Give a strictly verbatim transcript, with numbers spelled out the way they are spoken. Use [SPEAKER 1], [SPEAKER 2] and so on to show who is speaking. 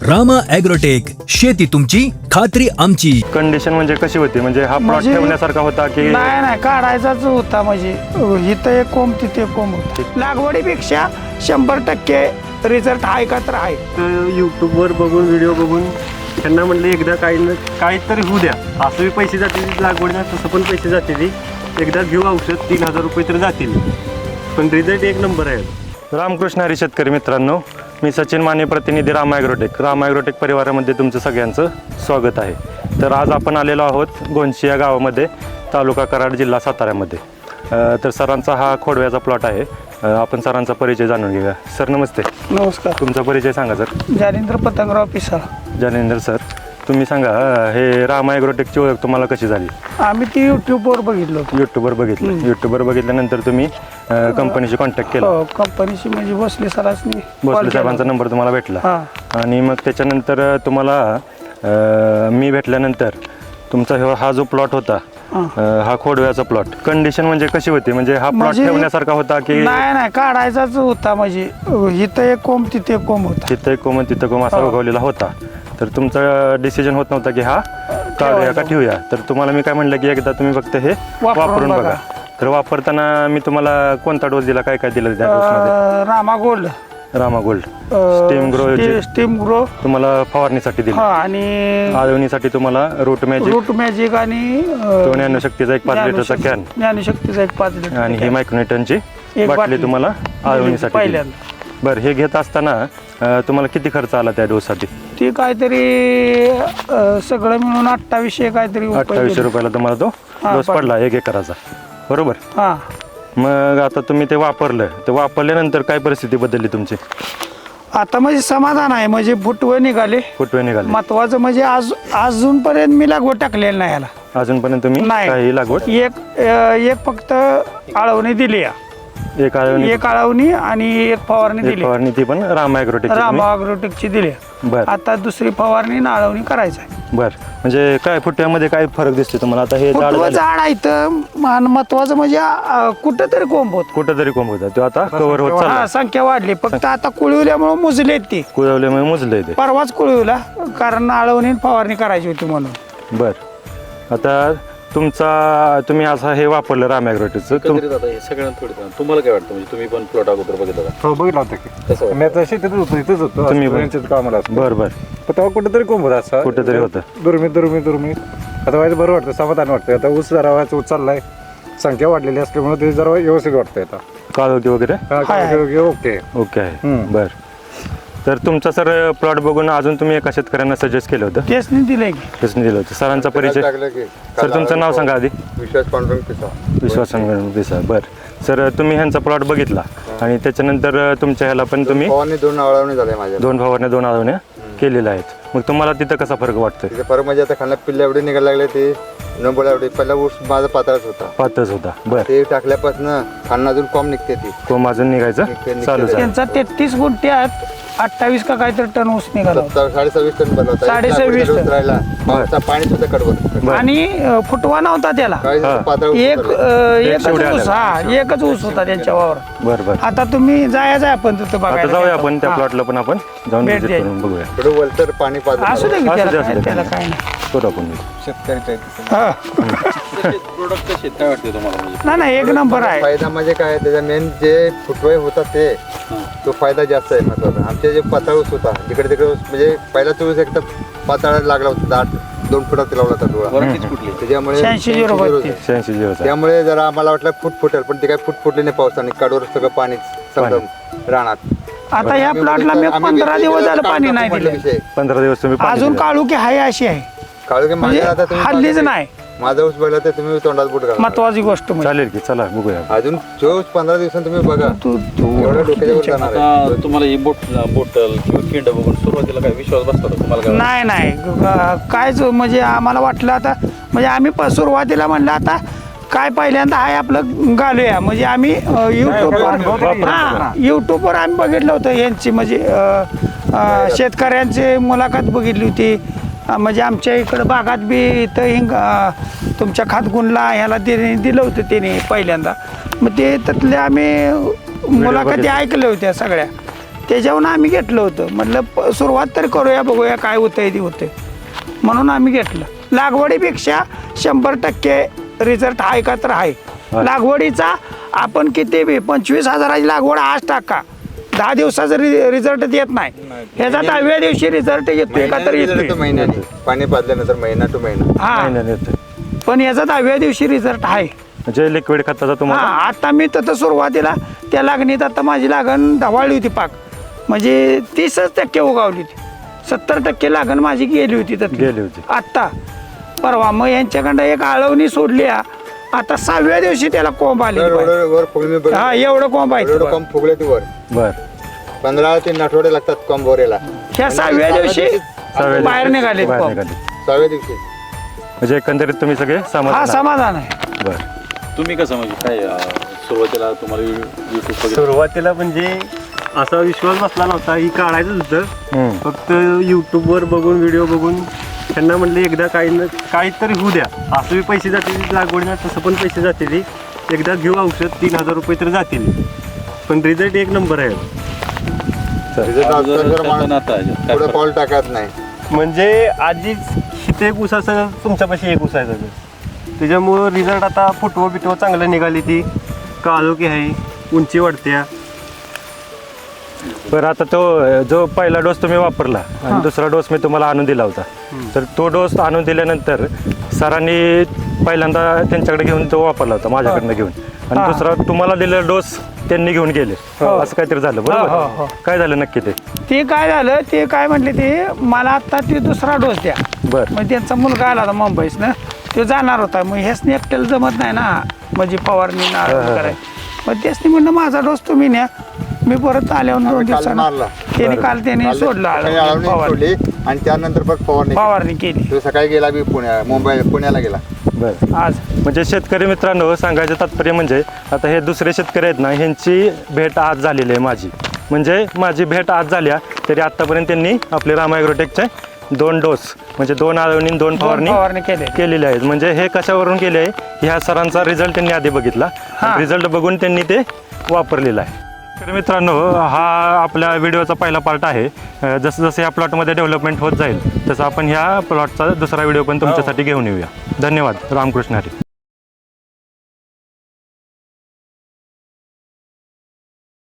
[SPEAKER 1] Rama agrotech, शेती तुमची खात्री आमची.
[SPEAKER 2] कंडिशन म्हणजे कशी होती, म्हणजे हा प्लॉट
[SPEAKER 3] म्हणजे-
[SPEAKER 2] ठेवण्यासारखा होता की
[SPEAKER 3] नाही नाही काढायचाच होता. म्हणजे इथं एक कोंब तिथे एक कोंब होता. लागवडीपेक्षा शंभर टक्के रिझल्ट आहे का तर आहे.
[SPEAKER 4] यूट्यूबवर बघून व्हिडिओ बघून त्यांना म्हणले एकदा काही न काहीतरी होऊ द्या. असं बी पैसे जातील लागवडीला, तसं पण पैसे जातील. एकदा घेऊ औषध, तीन हजार रुपये तर जातील, पण रिझल्ट एक नंबर आहे.
[SPEAKER 2] रामकृष्ण हरी शेतकरी मित्रांनो, मी सचिन माने, प्रतिनिधी रामा ॲग्रोटेक. रामा ॲग्रोटेक परिवारामध्ये तुमचं सगळ्यांचं स्वागत आहे. तर आज आपण आलेलो आहोत गोंशी या गावामध्ये, तालुका कराड, जिल्हा साताऱ्यामध्ये. अ, तर सरांचा हा खोडव्याचा प्लॉट आहे. अ, आपण सरांचा परिचय जाणून घेऊया. सर नमस्ते.
[SPEAKER 3] नमस्कार.
[SPEAKER 2] तुमचा परिचय सांगा सर.
[SPEAKER 3] जालिंद्र पतंगराव पिसाळ.
[SPEAKER 2] जानेंद्र सर, तुम्ही सांगा अ, हे रामा ॲग्रोटेकची ओळख तुम्हाला कशी झाली?
[SPEAKER 3] आम्ही ती युट्यूबवर बघितलं होतं.
[SPEAKER 2] यूट्यूबवर बघितलं. यूट्यूबवर बघितल्यानंतर तुम्ही अ, कंपनीशी कॉन्टॅक्ट केला.
[SPEAKER 3] हो, कंपनीशी म्हणजे भोसले सरांनी
[SPEAKER 2] भोसले साहेबांचा नंबर तुम्हाला भेटला.
[SPEAKER 3] हा.
[SPEAKER 2] आणि मग त्याच्यानंतर तुम्हाला अ, मी भेटल्यानंतर तुमचा हा- हा जो प्लॉट होता,
[SPEAKER 3] हा.
[SPEAKER 2] अ, हा खोडव्याचा प्लॉट, कंडिशन म्हणजे कशी होती, म्हणजे हा प्लॉट
[SPEAKER 3] म्हणजे-
[SPEAKER 2] ठेवण्यासारखा होता की
[SPEAKER 3] नाही नाही काढायचाच होता. म्हणजे इथं एक कोंब तिथे एक कोंब होता.
[SPEAKER 2] तिथं एक कोम तिथं कोम असा
[SPEAKER 3] हो.
[SPEAKER 2] उगवलेला होता. तर तुमचा डिसिजन होत नव्हता की हा काढूया का ठेवूया. तर तुम्हाला मी काय म्हणलं की एकदा तुम्ही फक्त हे
[SPEAKER 3] वापरून
[SPEAKER 2] वापरून बघा.
[SPEAKER 3] बघा.
[SPEAKER 2] तर वापरताना मी तुम्हाला कोणता डोस दिला, काय काय दिलं त्या डोसमध्ये?
[SPEAKER 3] अं, Rama gold,
[SPEAKER 2] Rama gold, steam grow
[SPEAKER 3] स्टी- स्टीम ग्रो,
[SPEAKER 2] तुम्हाला फवारणीसाठी दिली.
[SPEAKER 3] हा, आणि
[SPEAKER 2] आळवणीसाठी तुम्हाला रूट मॅजिक,
[SPEAKER 3] रूट मॅजिक आणि
[SPEAKER 2] तो ज्ञानशक्तीचा एक पाच लिटरचा कॅन,
[SPEAKER 3] ज्ञानशक्तीचा एक पाच लिटर
[SPEAKER 2] आणि ही
[SPEAKER 3] कॅन.
[SPEAKER 2] मायक्रोन्यूटनची
[SPEAKER 3] एक
[SPEAKER 2] बाटली
[SPEAKER 3] बाटली.
[SPEAKER 2] तुम्हाला आळवणीसाठी दिली.
[SPEAKER 3] पहिल्यांदा
[SPEAKER 2] बरं, हे घेत असताना अं, तुम्हाला किती खर्च आला त्या डोससाठी?
[SPEAKER 3] ती काहीतरी अं, सगळं मिळून अठ्ठावीसशे काहीतरी रुपये
[SPEAKER 2] अठ्ठावीसशे
[SPEAKER 3] गेले.
[SPEAKER 2] रुपयाला तुम्हाला तो
[SPEAKER 3] हा,
[SPEAKER 2] डोस
[SPEAKER 3] पडला.
[SPEAKER 2] पडला एक एकराचा, बरोबर?
[SPEAKER 3] हा.
[SPEAKER 2] मग आता तुम्ही ते वापरलं, ते वापरल्यानंतर काय परिस्थिती बदलली तुमची?
[SPEAKER 3] आता म्हणजे समाधान आहे. म्हणजे फुटवे निघाले.
[SPEAKER 2] फुटवे निघाले.
[SPEAKER 3] महत्वाचं म्हणजे आज अजूनपर्यंत मी लागवड टाकलेली नाही याला.
[SPEAKER 2] अजूनपर्यंत तुम्ही
[SPEAKER 3] नाही.
[SPEAKER 2] काही लागवड?
[SPEAKER 3] एक अं, एक फक्त आळवणी दिली या.
[SPEAKER 2] एक आळवणी,
[SPEAKER 3] एक आळवणी आणि एक फवारणी
[SPEAKER 2] एक
[SPEAKER 3] दिली.
[SPEAKER 2] फवारणी, ती पण रामा ॲग्रोटेक.
[SPEAKER 3] रामा अग्रोटेकची दिली.
[SPEAKER 2] बर
[SPEAKER 3] आता दुसरी फवारणी आणि आळवणी करायचं आहे.
[SPEAKER 2] बर, म्हणजे काय फुट्यामध्ये काय फरक दिसतो तुम्हाला? आता हे झाड
[SPEAKER 3] फुटवं
[SPEAKER 2] झालं,
[SPEAKER 3] झाड आहे इथं. मान- महत्वाचं म्हणजे अं, कुठंतरी कोंब होत.
[SPEAKER 2] कुठंतरी कोंब होता, तो आता कव्हर होत चालला.
[SPEAKER 3] हा, संख्या वाढली. फक्त आता कुळवल्यामुळे मुजलेत ती.
[SPEAKER 2] कुळवल्यामुळे मुजलंय ते.
[SPEAKER 3] परवाच कुळवला, कारण आळवणी आणि फवारणी करायची होती म्हणून.
[SPEAKER 2] बर, आता तुमचा तुम्ही असं हे वापरलं राम ॲग्रोटेकचं, तुम-
[SPEAKER 5] एकंदरीत आता हे सगळ्यांना थोडं तुम्हाला काय वाटतं, म्हणजे तुम्ही पण प्लॉट अगोदर बघितला का?
[SPEAKER 4] हो बघितला होता की
[SPEAKER 5] कसं वाटतं?
[SPEAKER 4] मी आता शेतीतच होतो, इथंच होतो.
[SPEAKER 2] तुम्ही पण?
[SPEAKER 4] यांच्यात कामाला असतो.
[SPEAKER 2] बर बर,
[SPEAKER 4] पण तेव्हा कुठेतरी कोंब होता असा,
[SPEAKER 2] कुठेतरी होतं.
[SPEAKER 4] दुर्मित दुर्मित दुर्मित. आता व्हायचं बरं वाटतं, समाधान वाटतं. आता ऊस जरा व्हायचं, ऊस चाललाय, संख्या वाढलेली असल्यामुळे ते जरा व्यवस्थित वाटतंय आता.
[SPEAKER 2] काळोखी वगैरे
[SPEAKER 4] हा,
[SPEAKER 3] hi, hi.
[SPEAKER 4] Okay okay.
[SPEAKER 2] Okay आहे.
[SPEAKER 4] हम्म.
[SPEAKER 2] बर, तर तुमचा सर प्लॉट बघून अजून तुम्ही एका शेतकऱ्यांना सजेस्ट केलं होतं,
[SPEAKER 3] तेच दिलंय की.
[SPEAKER 2] कसं दिलं होतं? सरांचा परिचय सर, तुमचं नाव सांगा आधी.
[SPEAKER 6] विश्वास पांडुरंग पिसा.
[SPEAKER 2] विश्वास दिसा. बर सर, तुम्ही ह्यांचा प्लॉट बघितला आणि त्याच्यानंतर तुमच्या ह्याला पण तुम्ही
[SPEAKER 6] फवारणी दोन आवळवणी झाले माझ्या.
[SPEAKER 2] दोन फवारण्या, दोन आळवण्या केलेल्या आहेत. मग तुम्हाला तिथं कसा फरक वाटतोय?
[SPEAKER 6] तिथे परत म्हणजे आता खाल्ला पिल्ला एवढे निघायला लागले, ते नंबोला एवढे. पहिला ऊस माझा पातळच होता,
[SPEAKER 2] पातच होता. बर,
[SPEAKER 6] ते टाकल्यापासून खाणं अजून कॉम निघते ती.
[SPEAKER 2] कोंब अजून निघायचं
[SPEAKER 6] निघते, निघते.
[SPEAKER 2] चालू झालं.
[SPEAKER 3] त्यांचा तेहतीस गुंठ्यात अठ्ठावीस का काहीतरी टन ऊस निघाला होता.
[SPEAKER 6] सत्तर साडे सव्वीस टन बनला होता.
[SPEAKER 3] साडे
[SPEAKER 6] एक लाकूड
[SPEAKER 3] सव्वीस
[SPEAKER 6] ऊस
[SPEAKER 3] टन.
[SPEAKER 6] राहिला, पावसा पाणी सुद्धा कडवत.
[SPEAKER 3] आणि अं, फुटवा नव्हता त्याला.
[SPEAKER 6] काही
[SPEAKER 2] हा.
[SPEAKER 6] पातळ ऊस
[SPEAKER 3] एक
[SPEAKER 6] उतरला.
[SPEAKER 3] अं, एकच
[SPEAKER 2] शेवटी
[SPEAKER 3] ऊस.
[SPEAKER 2] आलेला.
[SPEAKER 3] हा, एकच ऊस होता त्यांच्या वावर.
[SPEAKER 2] बर बर,
[SPEAKER 3] आता तुम्ही जायचं आपण तिथं
[SPEAKER 2] आता
[SPEAKER 3] बघायला.
[SPEAKER 2] जाऊया आपण त्या
[SPEAKER 3] हा.
[SPEAKER 2] प्लॉटला पण आपण जाऊन
[SPEAKER 3] भेट
[SPEAKER 2] visit
[SPEAKER 3] द्यायची.
[SPEAKER 2] करून बघूया.
[SPEAKER 6] थोडं वलतर पाणी पाजून
[SPEAKER 3] असू दे की
[SPEAKER 2] असू
[SPEAKER 3] त्याला
[SPEAKER 2] दे, असू
[SPEAKER 3] काय-
[SPEAKER 2] दे,
[SPEAKER 3] त्याला
[SPEAKER 2] काय
[SPEAKER 3] काय नाही.
[SPEAKER 2] करू आपण.
[SPEAKER 3] हा.
[SPEAKER 5] प्रोडक्ट कसे आहेत? काय वाटते तुम्हाला, म्हणजे
[SPEAKER 3] नाही नाही, एक नंबर आहे.
[SPEAKER 6] फायदा म्हणजे काय, त्याचा मेन जे फुटवे होता ते तो फायदा जास्त आहे महत्वाचा. आमचे जे पातळ ऊस होता, जिकडे तिकडे ऊस म्हणजे पहिलाच ऊस एकदम पातळ लागला होता, दाट दोन फुटात लावला होता डोळा.
[SPEAKER 5] वरायटीच कुठली?
[SPEAKER 6] त्याच्यामुळे
[SPEAKER 3] शहाऐंशी झिरो बत्तीस.
[SPEAKER 2] शहाऐंशी दिवस
[SPEAKER 6] त्यामुळे जरा आम्हाला वाटलं फूट फुटेल, पण ते काय फूट फुटली नाही पावसाने. काडवर सगळं पाणी समजा राहणार.
[SPEAKER 3] आता या प्लॉटला मी पंधरा दिवस झालं पाणी नाही दिलं.
[SPEAKER 2] पंधरा दिवस तुम्ही पाणी
[SPEAKER 3] अजून
[SPEAKER 2] दिलं.
[SPEAKER 3] काळुकी हाय अशी आहे.
[SPEAKER 6] काळू
[SPEAKER 3] म्हणजे
[SPEAKER 6] माझ्या आता तुम्ही
[SPEAKER 3] हल्लीच
[SPEAKER 6] बघा,
[SPEAKER 3] नाही.
[SPEAKER 6] माझा ऊस बघला तर तुम्ही तोंडात बुट घाला.
[SPEAKER 3] महत्वाची गोष्ट म्हणजे
[SPEAKER 2] चालेल की, चला बघूया.
[SPEAKER 6] अजून जो पंधरा दिवसांनी तुम्ही बघा,
[SPEAKER 3] तू तू
[SPEAKER 6] एवढ्या डोक्यावर जाणार आहे.
[SPEAKER 5] आता तुम्हाला ही बोट बोटल किंवा किंड बघून सुरुवातीला काय विश्वास बसतो का तुम्हाला? काय
[SPEAKER 3] नाही नाही ग- कायच म्हणजे आम्हाला वाटलं आता, म्हणजे आम्ही प- सुरुवातीला म्हणलं आता काय पहिल्यांदा आहे आपलं घालूया. म्हणजे आम्ही युट्यूबवर हा युट्यूबवर आम्ही बघितलं होतं यांची, म्हणजे अं, अं, शेतकऱ्यांची मुलाखत बघितली होती. अं, म्हणजे आमच्या इकडं भागात बी इथं हिंग अं, तुमच्या खातगुणला ह्याला ते दिलं होतं त्याने पहिल्यांदा. मग ते त्यातले आम्ही मुलाखती ऐकल्या होत्या सगळ्या. त्याच्यावरून आम्ही घेतलं होतं. म्हटलं प- सुरुवात तर करूया, बघूया काय होतंय ते होतंय म्हणून आम्ही घेतलं. लागवडीपेक्षा शंभर टक्के रिझल्ट आहे का तर आहे. लागवडीचा आपण किती बी पंचवीस हजाराची लागवड आज टाका, दहा दिवसाचा रिझल्ट येत नाही. ह्याचा दहाव्या दिवशी रिझल्ट येतोय का तर येतोय.
[SPEAKER 6] महिन्याने पाणी पाजल्यानंतर महिना टू महिना
[SPEAKER 3] हा,
[SPEAKER 2] महिन्याने येतोय.
[SPEAKER 3] पण याचा दहाव्या दिवशी रिझल्ट आहे.
[SPEAKER 2] म्हणजे लिक्विड खताचा
[SPEAKER 3] हा,
[SPEAKER 2] तुम्हाला
[SPEAKER 3] आता मी तर सुरुवातीला त्या लागणीत आता माझी लागण ढवाळली होती पाक, म्हणजे तीसच टक्के उगावली होती. सत्तर टक्के लागण माझी गेली होती तर
[SPEAKER 2] गेली होती.
[SPEAKER 3] आत्ता परवा मग यांच्याकडं एक आळवणी सोडली हा. आता सहाव्या दिवशी त्याला कोंब आली.
[SPEAKER 6] वर- वर- वर फुगली बघ.
[SPEAKER 3] हा, एवढं कोंब आहे
[SPEAKER 6] एवढं
[SPEAKER 3] ते.
[SPEAKER 6] कम फुगले ती वर
[SPEAKER 2] बर
[SPEAKER 6] पंधरा तीन आठवडे लागतात कम बोरेला.
[SPEAKER 3] ह्या सहाव्या दिवशी
[SPEAKER 2] सहाव्या
[SPEAKER 3] बाहेर
[SPEAKER 2] दिवशी
[SPEAKER 3] निघाले
[SPEAKER 2] बाहेर
[SPEAKER 3] कोंब.
[SPEAKER 2] निघाले.
[SPEAKER 6] सहाव्या दिवशी
[SPEAKER 2] म्हणजे एकंदरीत तुम्ही सगळे
[SPEAKER 3] हा
[SPEAKER 2] समाधान आहे.
[SPEAKER 3] समाधान आहे.
[SPEAKER 2] बर
[SPEAKER 5] तुम्ही कसं म्हणजे काय अं, सुरुवातीला तुम्हाला युट्यूब वगैरे
[SPEAKER 4] सुरुवातीला म्हणजे असा विश्वास बसला नव्हता, ही काढायचं होतं.
[SPEAKER 2] हम्म.
[SPEAKER 4] फक्त यूट्यूबवर बघून व्हिडिओ बघून त्यांना म्हणले एकदा काही न काहीतरी होऊ द्या, असं बी पैसे जातील लागवडीला, तसं पण पैसे जातील. एकदा घेऊ औषध, तीन हजार रुपये तर जातील, पण रिझल्ट एक नंबर आहे.
[SPEAKER 6] रिझल्ट
[SPEAKER 5] अगोदर
[SPEAKER 6] असताना
[SPEAKER 5] करताना
[SPEAKER 6] माणूस
[SPEAKER 5] आता काय
[SPEAKER 6] पुढे
[SPEAKER 5] फरक?
[SPEAKER 6] पाऊल टाकत नाही.
[SPEAKER 4] म्हणजे आधीच इथे एक ऊस असेल, तुमच्यापाशी एक ऊस आहे त्याचं. त्याच्यामुळं रिझल्ट आता फुटवं बिटवं चांगलं निघाली, ती काळोखी आहे, उंची वाढत्या.
[SPEAKER 2] बरं आता तो अ, जो पहिला डोस तुम्ही वापरला आणि दुसरा डोस मी तुम्हाला आणून दिला होता, तर तो डोस आणून दिल्यानंतर सरांनी पहिल्यांदा त्यांच्याकडे घेऊन तो वापरला होता माझ्याकडनं घेऊन, आणि
[SPEAKER 3] हा.
[SPEAKER 2] दुसरा तुम्हाला दिलेला डोस त्यांनी घेऊन गेले, असं काहीतरी झालं
[SPEAKER 3] हो, हो, हो.
[SPEAKER 2] बरोबर? काय झालं नक्की ते?
[SPEAKER 3] ते काय झालं, ते काय म्हटले, ते मला आता ते दुसरा डोस द्या.
[SPEAKER 2] बर
[SPEAKER 3] मग त्यांचा मुलगा आला होता मुंबईसनं, तो जाणार होता. मग ह्यासनी एकट्याला जमत नाही ना, म्हणजे फवारणी ना कराय. मग त्यासनी म्हणलं माझा डोस तुम्ही न्या, मी परत आल्यावर दोन
[SPEAKER 6] आम्ही काल
[SPEAKER 3] दिवसांना
[SPEAKER 6] मारला.
[SPEAKER 3] त्याने काल त्याने सोडलं
[SPEAKER 6] सकाळी
[SPEAKER 3] आळवणी,
[SPEAKER 6] आळवणी
[SPEAKER 3] फवारणी
[SPEAKER 6] सोडली आणि त्यानंतर परत फवारणी
[SPEAKER 3] फवारणी केली
[SPEAKER 6] तो सकाळी गेला बी पुण्या मुंबई पुण्याला गेला.
[SPEAKER 2] बर
[SPEAKER 3] आज.
[SPEAKER 2] म्हणजे शेतकरी मित्रांनो, सांगायचं तात्पर्य म्हणजे आता हे दुसरे शेतकरी आहेत ना, ह्यांची भेट आज झालेली आहे माझी. म्हणजे माझी भेट आज झाल्या तरी आत्तापर्यंत त्यांनी आपले राम ॲग्रोटेकचे दोन डोस म्हणजे दोन आळवणी दोन
[SPEAKER 3] दोन
[SPEAKER 2] फवारणी
[SPEAKER 3] फवारणी केली.
[SPEAKER 2] केलेले आहेत. म्हणजे हे कशावरून केले आहे, ह्या सरांचा रिझल्ट त्यांनी आधी बघितला,
[SPEAKER 3] हा.
[SPEAKER 2] रिझल्ट बघून त्यांनी ते वापरलेलं आहे. तर मित्रांनो, हा आपल्या व्हिडिओचा पहिला पार्ट आहे. अं, जसं जसं या प्लॉटमध्ये डेव्हलपमेंट होत जाईल तसं आपण ह्या प्लॉटचा दुसरा व्हिडिओ पण तुमच्यासाठी घेऊन येऊया. धन्यवाद. रामकृष्ण हरी.